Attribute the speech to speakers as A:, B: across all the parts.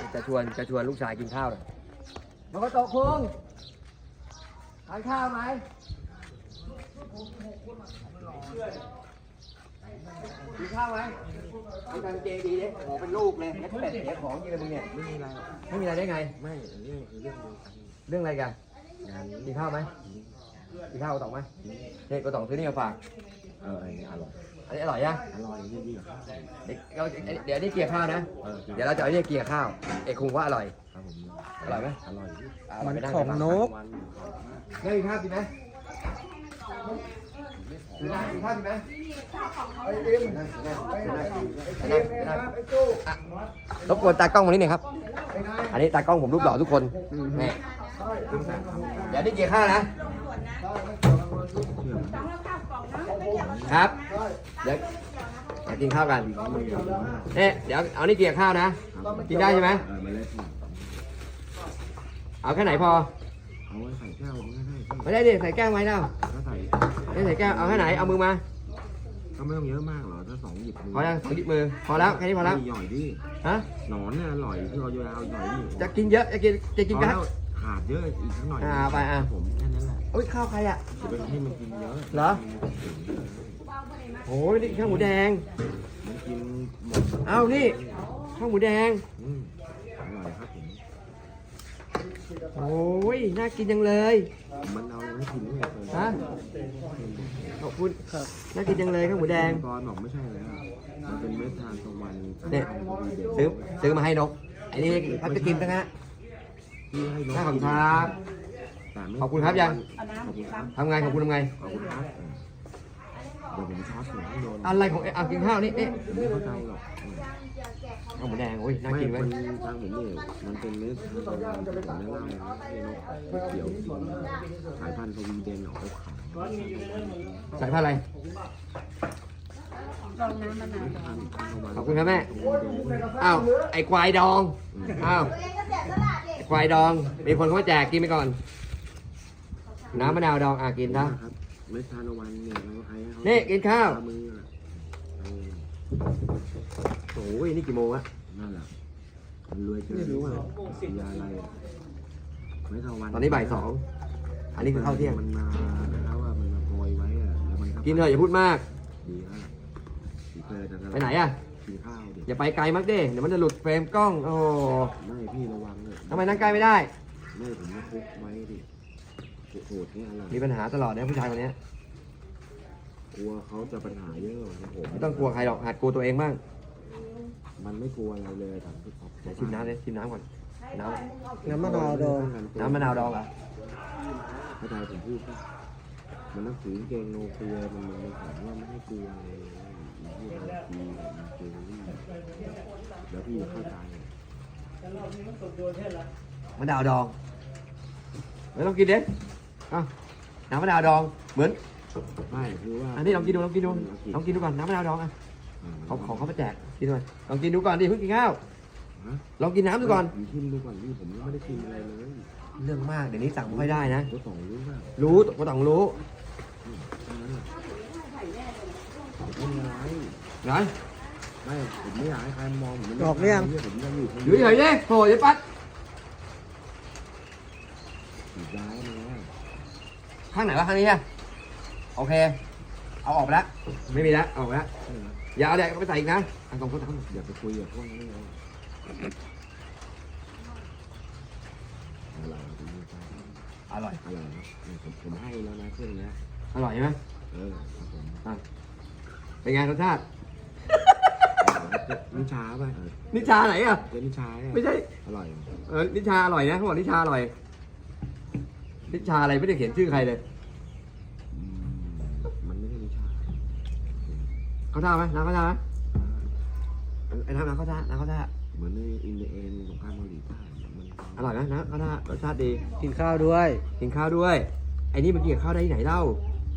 A: จะชวนลูกชายกินข้าวหน่อยมันก็โตคุงทานข้าวไหมกินข้าวไหมทำการเจดีเนี่ยโอ้เป็นลูกเลยแล้วเป็ดเสียของยิงเลยมึงเนี่ยไม่มีอะไรไม่มีอะไรได้ไงไม่เรื่องอะไรกันกินข้าวไหมกินข้าวต่อไหมเนี่ยก็ต้องซื้อนี่มาฝากอันนี้อร่อยยังอร่อยดีเดี๋ยวนี่เกี่ยวข้าวนะเดี๋ยวเราจะเอาเนี่ยเกี่ยวข้าวเอกคงว่าอร่อยอร่อยไหมอร่อย
B: มันของนก
A: ได้กินข้าวกินไหมกินข้าวกินไหมรบกวนตากล้องวันนี้หน่อยครับอันนี้ตากล้องผมรูปหล่อทุกคนนี่เดี๋ยวนี่เกี่ยวข้าวนะครับเดี๋ยวกินข้าวกันเนี่ยเดี๋ยวเอานี่เกี่ยวข้าวนะกินได้ใช่ไหมเอาแค่ไหนพอ
C: เอาไว้ใส่แก้ว
A: ไม่ได้ดิใส่แก้วไว้แล้วไม่ใส่แก้วเอาแค่ไหนเอามือมา
C: ก็ไม่ต้องเยอะมากหรอถ้า2 หยิบมือ
A: พอแล้ว2 หยิบมือพอแล้วแค่นี้พอแล้ว
C: หย่อยดิ
A: ฮะ
C: หนอนเนี่ยอร่อยที่เราเอาหย่อยดิ
A: จะกินเยอะจะกินกัน
C: ขาดเยอะอีกสักหน่อย
A: ไป
C: ผมแค่นั้นแหละ
A: โอ้ยข้าวใครอ่ะ
C: จะไปให้มันกินเยอะ
A: เหรอโอ้ยนี่ข้าวหมูแดง
C: มันกินหมด
A: เอ้านี่ข้าวหมูแดง
C: อร่อยครับผม
A: โอ้ยน่ากินจังเลย
C: มันเอาอะไรให้กินไม่เคย
A: ฮะขอบคุณน่ากินจังเลยข้าวหมูแดง
C: ตอนบอกไม่ใช่แล้วมันเป็นเม็ดทานตะวัน
A: เนี่ยซื้อมาให้นกไอ้นี่เขาจะกินตั้งฮะขอบคุณครับขอบคุณครับยังทำไงขอบคุณทำไง
C: ขอบคุณครับเดี๋ยวผมช็อตหัวให้โดน
A: อะไรของกินข้าวนี่
C: ไม่เข้าใจหรอก
A: ข้าวหมูแดงโอ้ยน่ากินไหม
C: ทางผมนี่มันเป็นเนื้อทางตะวันผมแนะนำนะนกเขียวสายพันธุ์สวีเดนออกขาว
A: สายพันธุ์อะไรขอบคุณครับแม่อ้าวไอ้ควายดองอ้าวควายดองมีคนเขาแจกกินไปก่อนน้ำมะนาวดองกินนะ
C: เม็ดทานตะวันเนี่ยเราให้เขา
A: นี่กินข้าวโอ้ยนี่กี่โมงอะ
C: นั่นแหละมันรวยเกินรู้ว่ายาอะไรไม่เท่าวัน
A: ตอนนี้บ่าย 2อันนี้คือข้าวเที่ยง
C: มันมาแล้วว่ามันมาโปรยไว้อะแล้วมัน
A: กินเถอะอย่าพูดมาก
C: ดีแล้ว
A: ไปไหนอะ
C: กินข้าว
A: อย่าไปไกลมากเด้เดี๋ยวมันจะหลุดเฟรมกล้องโอ้
C: ไม่พี่ระวังเลย
A: ทำไมนั่งใกล้ไม่ได้
C: ไม่ผมจะคุกไว้ดิโหดนี่อะไร
A: มีปัญหาตลอดนะผู้ชายคนนี้
C: กลัวเขาจะปัญหาเยอะผม
A: ไม่ต้องกลัวใครหรอกหัดกลัวตัวเองบ้าง
C: มันไม่กลัวอะไรเลยแต่พี่ขอ
A: ชิมน้ำเลยชิมน้ำก่อน
B: น้ำมะนาวดอง
A: น้ำมะนาวดองเหรอ
C: เข้าใจผมพูดป่ะมันนักสือเกงโนเกียมันถามว่าไม่ให้กลัวเลยพูดอะไรดีมันเจอแล้วพี่เข้าใจ
A: มะนาวดองไม่ต้องกินเด็ดน้ำมะนาวดองเหมือน
C: ไม่คือว่า
A: อันนี้ลองกินดูก่อนน้ำมะนาวดองของเขามาแจกกินด้วยลองกินดูก่อนดิเพิ่งกินข้าวลองกินน้ำดูก่อน
C: ชิมดูก่อนนี่ผมไม่ได้ชิมอะไรเลย
A: เรื่องมากเดี๋ยวนี้สั่งไม่ได้นะ
C: ก็ต้องรู้ว่า
A: รู้ก็ต้องรู้
C: ไงไม่ผมไม่อยากให้ใครมองผม
B: ออกเรื่อง
C: ผมยัง
A: อยู่เฉยๆเนี่ยโผล่จะปัด
C: ย้ายมา
A: ข้างไหนวะข้างนี้อะโอเคเอาออกไปแล้วไม่มีแล้วออกไปแล้วอย่าเอาเด็กไปใส่อีกนะสองคน
C: อย่าไปคุยกับพวกนี้เลย
A: อร่อย
C: ผมให้แล้วนะเครื่องนี้
A: อร่อยไหมเป็นไงรสชาติ
C: นิชาป่ะ
A: นิชาไหนอ่ะ
C: เป็นนิชา
A: ไม่ใช่
C: อร่อย
A: นิชาอร่อยนะเขาบอกนิชาอร่อยนิชาอะไรไม่ได้เขียนชื่อใครเลย
C: มันไม่ใช่นิชา
A: เขาท่าไหมน้ำเขาท่าไหมไอ้น้ำเขาท่า
C: เหมือนในอินเดียสงครามเกาหลีใต้
A: อร่อยนะเขาท่ารสชาติดี
B: กินข้าวด้วย
A: ไอ้นี่มันกินกับข้าวได้ที่ไหนเล่า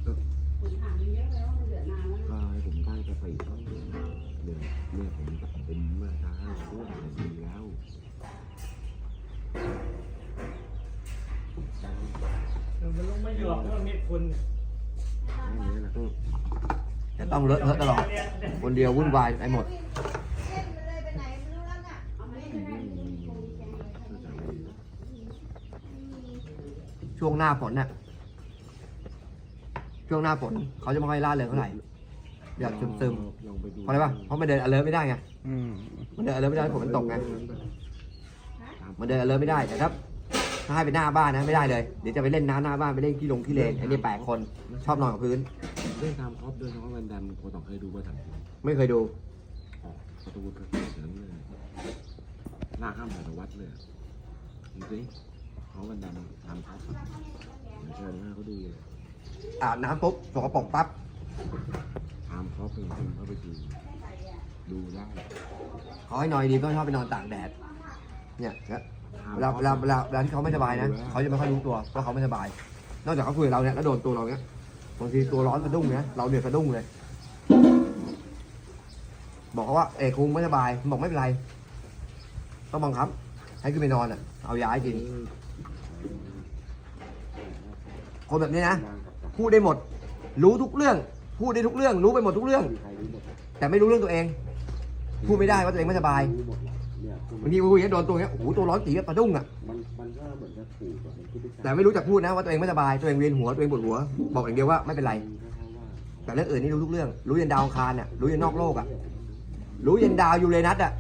C: ก็ให้ผมได้กาแฟต้องเดือนเนี่ยผมมาช้าช่วงดีแล้ว
B: มันลงไม่หยอกมันมีคน
A: จะต้องเลอะตลอดคนเดียววุ่นวายไปหมดช่วงหน้าฝนน่ะช่วงหน้าฝนเขาจะไม่ค่อยล่าเริงเท่าไหร่อยากซึม
C: ลองไปดู
A: ๆเพราะอะไรปะเพราะมันเดิน alert ไม่ได้ไง
B: อืม
A: มันเดิน alert ไม่ได้ฝนมันตกไงมันเดิน alert ไม่ได้แต่ถ้าให้ไปหน้าบ้านนะไม่ได้เลยเดี๋ยวจะไปเล่นน้ำหน้าบ้านไปเล่นขี้เลนไอ้นี่แปลกคนชอบนอนกับพื้น
C: เล่นตามครอบด้วยน้องแวนดัมโคต้องเคยดูว่าทำ
A: ไม่เคยดู
C: ออกประตูกระเสือนเลยหน้าข้ามสารวัตรเลยจริงๆเขาแวนดัมทำครับเชิญหน้าเขาดูเลย
A: อาบน้ำปุ๊บสกปรกปั๊บ
C: ทำเขาเป็นคนเข้าไปดูได้
A: เขาให้นอนดีก็ชอบไปนอนตากแดดเนี่ยเวลาที่เขาไม่สบายนะเขาจะไม่ค่อยรู้ตัวว่าเขาไม่สบาย นอกจากเขาคุยกับเราเนี่ยแล้วโดนตัวเราเนี่ยบางทีตัวร้อนสะดุ้งเนี่ยเราเดือดสะดุ้งเลย บอกเขาว่าคุงไม่สบายบอกไม่เป็นไรต้องบังคับให้ขึ้นไปนอนอ่ะเอายาให้กินคนแบบนี้นะพูดได้หมด รู้ทุกเรื่องพูดได้ทุกเรื่องรู้ไปหมดทุกเรื่อง แต่ไม่รู้เรื่องตัวเอง พูดไม่ได้ว่าตัวเองไม่สบายบางทีคุยอย่างนี้โดนตัวเนี้ยโอ้โหตัวร้อนตีกับสะดุ้งอ่ะ
C: มันก็เหมือนจะถูกแบบมันคิดได้
A: แต่ไม่รู้จักพูดนะว่าตัวเองไม่สบายตัวเองเวียนหัวตัวเองปวดหัวบอกอย่างเดียวว่าไม่เป็นไร แต่เรื่องอื่นนี่รู้ทุกเรื่อง รู้ยันดาวอังคารอ่ะรู้ยันนอกโลกอ่ะรู้ยันดาวยูเรนัสอ่ะ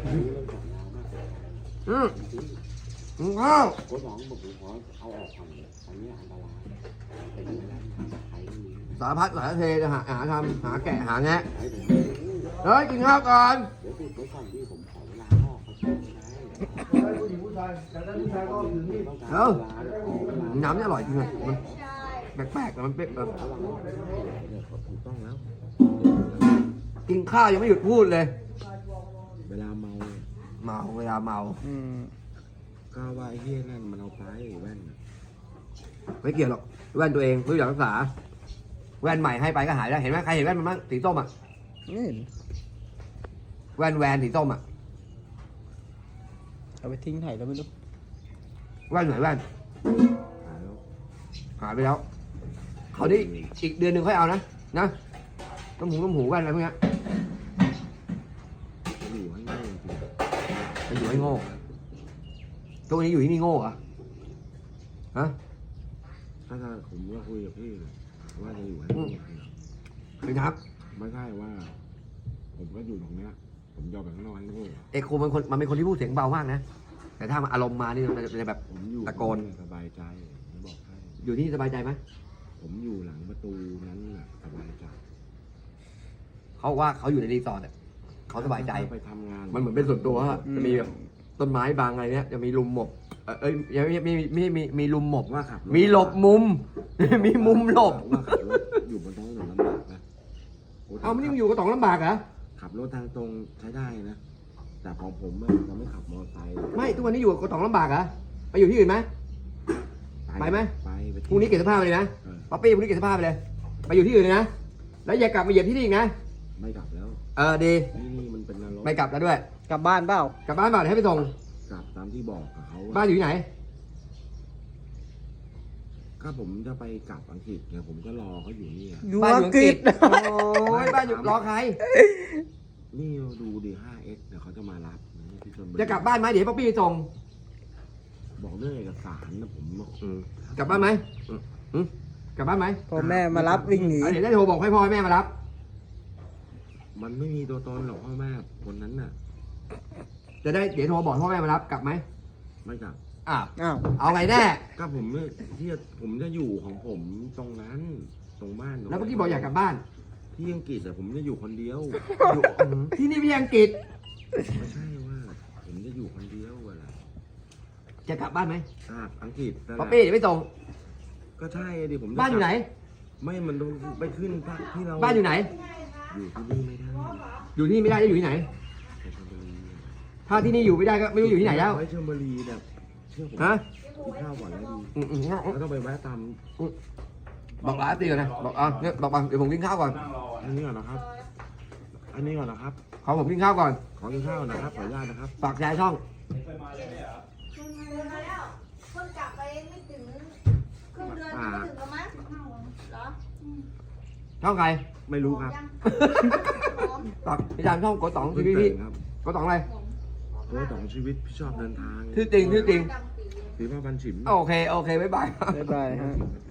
A: ข้าว
C: โค้ชสองบอกผมขอเอาออกก่อนอันนี้อันตรายเป็นไปได้ใครไม่มี
A: สารพัดสารเทจะหาทำหาแกะหาแงะ
C: ให้ผม
A: เฮ้ยกินข้าวก่อน
C: เดี๋ยวติดไว้ก่อนที่ผมขอเวลาพ่อเขาใช้ไม่ได้
A: ผู้หญิงผู้ชายแต่ถ้าผู้ชายก็ถึงนี่
C: ต้องการ
A: เอ้า
C: เวลาเดี๋ยวขอเวลา
A: น้ำนี่อร่อยจริงเลยมันแปลกๆแต่มันเป็นแบบ
C: เนี่ยถูกต้องแล้ว
A: กินข้าวยังไม่หยุดพูดเลย
C: เวลาเมา
A: เมาเวลาเมา
B: อืม
C: ก็ว่าไอ้เหี้ยนั่นมันเอาไปแว่น
A: ไม่เกี่ยวหรอกแว่นตัวเองไม่รู้จักรักษาแว่นใหม่ให้ไปก็หายได้เห็นไหมใครเห็นแว่นมันบ้างสีส้มอ่ะ
B: นี่
A: แว่นสีส้มอ่ะ
B: เอาไปทิ้งไหนแล้วไม่รู้
A: แว่นไหนแว่น
C: หายแล้ว
A: หายไปแล้วเขาได้อีกเดือนหนึ่งค่อยเอานะน้ำหูแว่นอะไรพวกเนี้ย
C: อยู่ให้ง่ายจริง
A: ไปอยู่ให้โง่ตัวนี้อยู่ที่นี่โง่เหรอฮะ
C: ถ้าผมก็คุยกับพี่ว่าจะอยู่ให้ง่าย
A: เป็นครับ
C: ไม่ใช่ว่า ผมก็อยู่ตรงเนี้ย ผมยอมแบบข้างนอกให้ง่าย
A: เอกโคมันเป็นคนที่พูดเสียงเบามากนะแต่ถ้ามันอารมณ์มานี่มันจะแบบ
C: ผมอยู่
A: ตะโกน
C: สบายใจผมบอกให้
A: อยู่ที่นี่สบายใจไหม
C: ผมอยู่หลังประตูนั้นน่ะสบายใจ
A: เขาว่าเขาอยู่ในรีสอร์ทอะเขาสบายใจ
C: ไปทำงาน
A: มันเหมือนเป็นส่วนตัวอะจะมีแบบต้นไม้บางอะไรเนี้ยจะมีลุมหมบยังมีลุมหมบ
C: ว่าขับรถ
A: มีหลบมุม มีมุมหลบ
C: ว่าขับรถอยู่บนท้องถนนลำบากนะโ
A: เอาไม่ได้อยู่กับต๋องลำบากเหรอ
C: ขับรถทางตรงใช้ได้นะ แต่ของผมอะจะไม่ขับมอเตอร์ไซค์
A: ไม่ทุกวันนี้อยู่กับต๋องลำบากเหรอไปอยู่ที่อื่นไหม ไปไหม
C: ไป
A: พรุ่งนี้เก็บเสื้อผ้าไปเลยนะ
C: เออ
A: ป๊อปปี้พรุ่งนี้เก็บเสื้อผ้าไปเลยไปอยู่ที่อื่นเลยนะแล้วอย่ากลับมาเหยียบที่นี่อีกนะ
C: ไม่กลับแล้ว
A: ดี
C: นี่มันเป็นนรก
A: ไม่กลับแล้วด้วย
B: กลับบ้านเปล่า
A: กลับบ้านเปล่าเดี๋ยวให้ไปส่ง
C: กลับตามที่บอกกับเขาอะ
A: บ้านอยู่ที่ไหน
C: ก็ผมจะไปกลับอังกฤษไงผมก็รอเขาอยู่นี่อะ
B: อยู่
A: บ้าน
B: อังกฤษ
A: โอ้ยบ้านอยู่รอใคร
C: นี่ดูดิ 5x เดี๋ยวเขาจะมารับที่ชลบุรี
A: จะกลับบ้านไหมเดี๋ยวป๊อปปี้ไปส่ง
C: บอกเรื่องเอกสารนะผม
A: กลับบ้านไหมกลับบ้านไหม
B: พอแม่มารับวิ่งหนี
A: เดี๋ยวได้โทรบอกให้พ่อให้แม่มารับ
C: มันไม่มีตัวตนหรอกพ่อแม่คนนั้นน่ะ
A: จะได้เดี๋ยวโทรบอกพ่อแม่มารับกลับไหม
C: ไม่กลับ
A: อ้าว
B: อ้าว
A: เอาไงแน่
C: ก็ผมเนี่ยที่ผมจะอยู่ของผมตรงนั้นตรงบ้าน
A: แล้วเมื่อกี้บอกอยากกลับบ้าน
C: ที่อังกฤษแต่ผมจะอยู่คนเดียว
A: อยู่ที่นี่พี่อังกฤษ
C: ไม่ใช่ว่า ผมจะอยู่คนเดียวเวลา
A: จะกลับบ้านไหม
C: กลับอังกฤษนั่นแห
A: ป๊อ
C: ละ
A: ปปี้เดี๋ยวไปส่ง
C: ก็ใช่ดิผมจะ
A: บ้านอยู่ไหน
C: ไม่มันต้องไปขึ้นที่เรา
A: บ้านอยู่ไหน
C: อยู่ที่นี่ไม่ได้
A: อยู่ที่นี่ไม่ได้จะอยู่ที่ไหน
C: ไปชลบุรี
A: ถ้าที่นี่อยู่ไม่ได้ก็ไม่รู้อยู่ที่ไหนแล้ว
C: ไปชลบุรีแบบเชื่อผม
A: ฮะ
C: กินข้าวก่อนแล้วดี
A: งั้น
C: แล้วต้องไปแวะตาม
A: บอกร้านตีก่อนนะบอกเนี่ยบอกเดี๋ยวผมกินข้าวก่อน
C: อันนี้ก่อนนะครับ อันนี้ก่อนนะครับ
A: ขอผมกินข้าวก่อน
C: ขอกินข้าวนะครับขออนุญาตนะครับ
A: ฝากแชร์ช่อง
D: มาแล้วเพิ่งกลับไปไม่ถึงครึ่งเดือนไม่ถึงแล้วมั้งเหรอ
A: ช่องใคร
C: ไม่รู้ครับ
A: ฝากพี่จานช่องกดต๋องทีวี
C: เพิ่ง
A: พี่
C: ตื่นครับ
A: กดต๋องอะไร
C: ตัวต่องชีวิตพี่ชอบเดินทาง
A: ชื่อจริง
D: จำปี
A: ช
C: ซื้อผ้าพันฉิม
A: โอเค โอเค บ๊ายบาย
B: บ๊ายบายฮะ
C: ฉิม